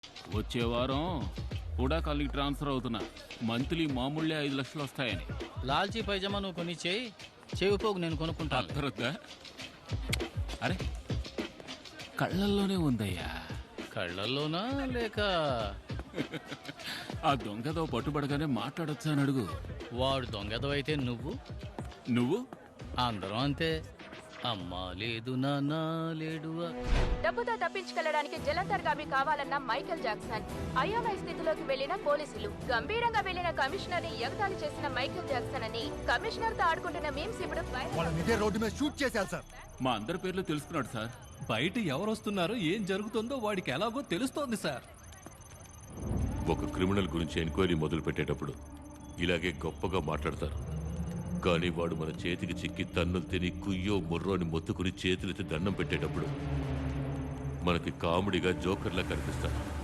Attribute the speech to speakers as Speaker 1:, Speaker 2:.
Speaker 1: వచ్చే వారం కూడా కాలనీకి ట్రాన్స్ఫర్ అవుతున్నా. మంత్లీ మామూళ్ళే 5 లక్షలు వస్తాయని.
Speaker 2: లాల్చీ పైజమా నువ్వు కొని చేయి, చెవిపోగు నేను కొనుక్కుంటాను.
Speaker 1: అర్థరద్దా? అరే కళ్ళల్లోనే ఉందయ్యా.
Speaker 2: కళ్ళల్లోనా లేక
Speaker 1: ఆ దొంగతో పట్టుబడగానే మాట్లాడొచ్చా అని అడుగు.
Speaker 2: వాడు దొంగదవైతే
Speaker 1: నువ్వు
Speaker 2: అందరం అంతే. అమ్మా లేదు నాన్న లేడువా.
Speaker 3: డబ్బుతో తప్పించుకెళ్లడానికి జలంతర్గామి కావాలన్న మైకేల్ జాక్సన్. అయోమయ స్థితిలోకి వెళ్లిన పోలీసులు. గంభీరంగా వెళ్లిన కమిషనర్ ని ఎగతాళి చేసిన మైకేల్ జాక్సన్ అని కమిషనర్ తో ఆడుకుంటున్న మీమ్స్ ఇప్పుడు
Speaker 4: రోడ్డు మీద షూట్ చేశారు సార్.
Speaker 1: మా అందరి పేర్లు తెలుసుకున్నాడు సార్.
Speaker 5: బయట ఎవరు వస్తున్నారో ఏం జరుగుతుందో వాడికి ఎలాగో తెలుస్తోంది సార్.
Speaker 6: ఒక క్రిమినల్ గురించి ఎంక్వైరీ మొదలు పెట్టేటప్పుడు ఇలాగే గొప్పగా మాట్లాడతారు. కానీ వాడు మన చేతికి చిక్కి తన్నులు తిని కుయ్యో ముర్రోని మొత్తుకుని చేతులెత్తి దండం పెట్టేటప్పుడు మనకి కామెడీగా జోకర్లా కనిపిస్తాడు.